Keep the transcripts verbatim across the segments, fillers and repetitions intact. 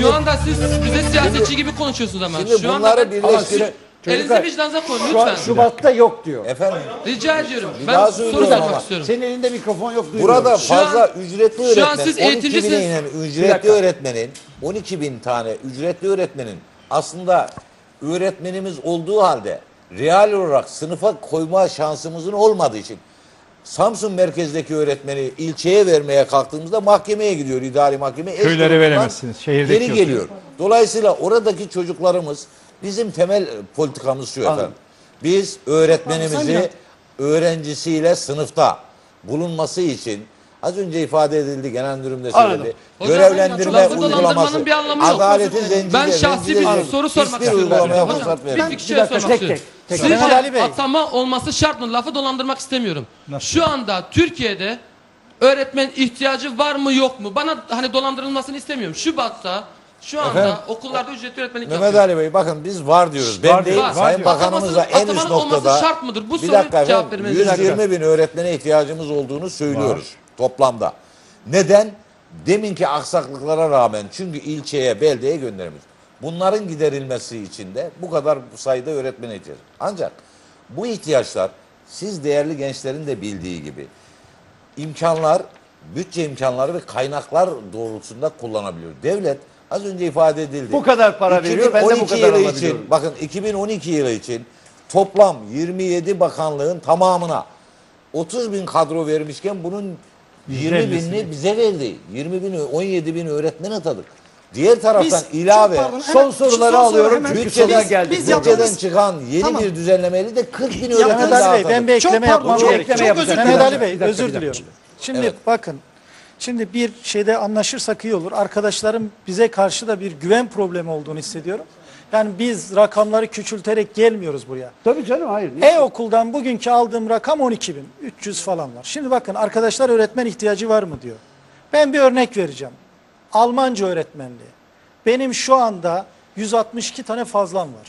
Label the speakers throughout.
Speaker 1: Şu anda siz bize siyasetçi gibi konuşuyorsunuz ama.
Speaker 2: Şimdi
Speaker 1: Şu anda
Speaker 2: bunları
Speaker 1: ben,
Speaker 2: birleştirip
Speaker 1: elinizi vicdanınıza koyun
Speaker 3: Şu an
Speaker 1: lütfen.
Speaker 3: Şubat'ta yok diyor.
Speaker 2: efendim
Speaker 1: Rica ediyorum.
Speaker 2: Bir
Speaker 1: Ben
Speaker 2: daha
Speaker 1: soru
Speaker 2: söylüyorum
Speaker 1: sormak
Speaker 2: ama.
Speaker 1: istiyorum.
Speaker 3: Senin elinde mikrofon yok, duyuyorum.
Speaker 2: burada
Speaker 1: Şu an-
Speaker 2: fazla ücretli
Speaker 1: şu
Speaker 2: öğretmen
Speaker 1: an siz
Speaker 2: on iki bine
Speaker 1: eğiticisiniz.
Speaker 2: inen
Speaker 3: Bir
Speaker 2: ücretli
Speaker 3: dakika.
Speaker 2: öğretmenin on iki bin tane ücretli öğretmenin aslında öğretmenimiz olduğu halde real olarak sınıfa koyma şansımızın olmadığı için Samsun merkezdeki öğretmeni ilçeye vermeye kalktığımızda mahkemeye gidiyor, idari mahkemeye.
Speaker 4: Köylere veremezsiniz, şehirdeki
Speaker 2: geri
Speaker 4: yok.
Speaker 2: geliyor. Dolayısıyla oradaki çocuklarımız, bizim temel politikamız şu efendim. Biz öğretmenimizi öğrencisiyle sınıfta bulunması için az önce ifade edildi, genel müdürüm de söyledi.
Speaker 1: Hocam,
Speaker 2: Görevlendirme
Speaker 1: lafı
Speaker 2: uygulaması,
Speaker 1: dolandırmanın bir anlamı yok.
Speaker 2: adaleti zencide,
Speaker 1: Ben şahsi bir
Speaker 2: zencide-
Speaker 1: soru sormak
Speaker 2: hiçbir
Speaker 1: istiyorum.
Speaker 2: uygulamaya
Speaker 1: Hocam,
Speaker 2: fırsat
Speaker 1: bir
Speaker 2: vermez.
Speaker 1: fikir
Speaker 3: Bir dakika,
Speaker 1: sormak
Speaker 3: tek
Speaker 1: istiyorum.
Speaker 3: tek, tek.
Speaker 1: Sizce
Speaker 3: Mehmet Ali Bey.
Speaker 1: atama olması şart mı? Lafı dolandırmak istemiyorum. Şu anda Türkiye'de öğretmen ihtiyacı var mı yok mu? Bana hani dolandırılmasını istemiyorum. Şubat'ta şu anda
Speaker 2: Efendim?
Speaker 1: okullarda ücretli öğretmenlik
Speaker 2: Mehmet
Speaker 1: yapıyor.
Speaker 2: Ali Bey bakın biz var diyoruz. Ben
Speaker 4: Var
Speaker 2: değil,
Speaker 4: diyor, var
Speaker 2: Sayın
Speaker 4: diyor.
Speaker 2: Bakanımız da
Speaker 1: Atamasının-
Speaker 2: en üst
Speaker 1: atamanın olması
Speaker 2: noktada.
Speaker 1: şart mıdır? Bu
Speaker 2: bir
Speaker 1: soruya
Speaker 2: dakika
Speaker 1: cevap
Speaker 2: efendim,
Speaker 1: vermenizi
Speaker 2: yüz yirmi bin öğretmene ihtiyacımız olduğunu söylüyoruz toplamda. Neden? Deminki aksaklıklara rağmen, çünkü ilçeye, beldeye göndermiş. Bunların giderilmesi için de bu kadar sayıda öğretmene ihtiyaç. Ancak bu ihtiyaçlar siz değerli gençlerin de bildiği gibi imkanlar, bütçe imkanları ve kaynaklar doğrultusunda kullanabiliyor. Devlet az önce ifade edildi.
Speaker 3: Bu kadar para veriyor, ben de bu
Speaker 2: iki bin on iki
Speaker 3: kadar
Speaker 2: yılı
Speaker 3: alabiliyorum.
Speaker 2: için, bakın iki bin on iki yılı için toplam yirmi yedi bakanlığın tamamına otuz bin kadro vermişken bunun yirmi
Speaker 4: ellisini.
Speaker 2: binini bize verdi. yirmi bin, on yedi bin öğretmen atadık. Diğer taraftan
Speaker 5: Biz,
Speaker 2: ilave
Speaker 5: çok pardon,
Speaker 3: son
Speaker 5: hemen-
Speaker 3: soruları
Speaker 5: son soru
Speaker 3: alıyorum
Speaker 5: hemen-
Speaker 3: çünkü
Speaker 2: bütçeden,
Speaker 3: sorular
Speaker 5: Biz-
Speaker 3: geldi.
Speaker 5: Biz
Speaker 2: bütçeden
Speaker 5: yaptığımız-
Speaker 2: çıkan yeni
Speaker 5: Tamam.
Speaker 2: bir düzenlemeyle de kırk bin
Speaker 5: Yaptığımız-
Speaker 2: öğretmen
Speaker 3: Mehmet
Speaker 2: daha
Speaker 3: Ali Bey, ben
Speaker 2: atadık.
Speaker 3: bir
Speaker 5: Çok
Speaker 3: ekleme
Speaker 5: pardon,
Speaker 3: yapmam
Speaker 5: çok-
Speaker 3: gerekiyor.
Speaker 5: çok özür dilerim.
Speaker 3: Mehmet Ali Bey,
Speaker 5: Bir dakika,
Speaker 3: özür
Speaker 5: bir dakika.
Speaker 3: diliyorum.
Speaker 5: Şimdi
Speaker 2: Evet.
Speaker 5: bakın, şimdi bir şeyde anlaşırsak iyi olur. Arkadaşlarım bize karşı da bir güven problemi olduğunu hissediyorum. Yani biz rakamları küçülterek gelmiyoruz buraya.
Speaker 3: Tabii canım, hayır. niye?
Speaker 5: E-okuldan bugünkü aldığım rakam on iki bin üç yüz falan var. Şimdi bakın, arkadaşlar öğretmen ihtiyacı var mı diyor. Ben bir örnek vereceğim. Almanca öğretmenliği. Benim şu anda yüz altmış iki tane fazlam var.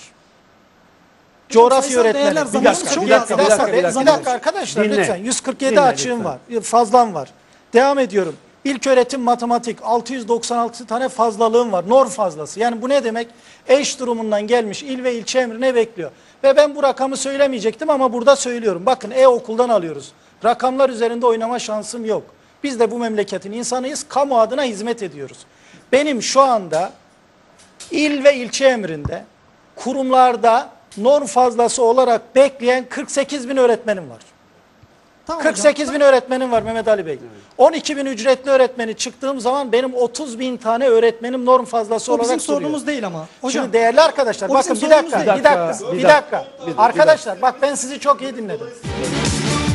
Speaker 5: Coğrafya
Speaker 3: sayısal
Speaker 5: öğretmeni.
Speaker 3: değerler
Speaker 5: Bir
Speaker 3: zamanımız
Speaker 5: dakika,
Speaker 3: çok
Speaker 5: bir dakika,
Speaker 3: az.
Speaker 5: bir dakika,
Speaker 3: Bir dakika,
Speaker 5: bir dakika arkadaşlar
Speaker 3: Dinle.
Speaker 5: lütfen. yüz kırk yedi
Speaker 3: Dinle
Speaker 5: açığım
Speaker 3: lütfen.
Speaker 5: var. Fazlam var. Devam ediyorum. İlköğretim matematik altı yüz doksan altı tane fazlalığım var. Norm fazlası. Yani bu ne demek? Eş durumundan gelmiş il ve ilçe emrine bekliyor. Ve ben bu rakamı söylemeyecektim ama burada söylüyorum. Bakın, e-okuldan alıyoruz. Rakamlar üzerinde oynama şansım yok. Biz de bu memleketin insanıyız. Kamu adına hizmet ediyoruz. Benim şu anda il ve ilçe emrinde kurumlarda norm fazlası olarak bekleyen kırk sekiz bin öğretmenim var.
Speaker 3: Tamam
Speaker 5: kırk sekiz
Speaker 3: hocam.
Speaker 5: bin öğretmenim var Mehmet Ali Bey. on iki bin ücretli öğretmeni çıktığım zaman benim otuz bin tane öğretmenim norm fazlası
Speaker 3: O
Speaker 5: olarak
Speaker 3: bizim
Speaker 5: duruyor.
Speaker 3: sorunumuz değil ama. Hocam,
Speaker 5: Şimdi değerli arkadaşlar,
Speaker 3: o
Speaker 5: bakın
Speaker 3: bizim
Speaker 5: bir dakika,
Speaker 3: sorunumuz
Speaker 5: bir
Speaker 3: değil.
Speaker 5: dakika,
Speaker 3: Bir
Speaker 5: bir
Speaker 3: dakika,
Speaker 5: dakika. Arkadaşlar bak, ben sizi çok iyi dinledim.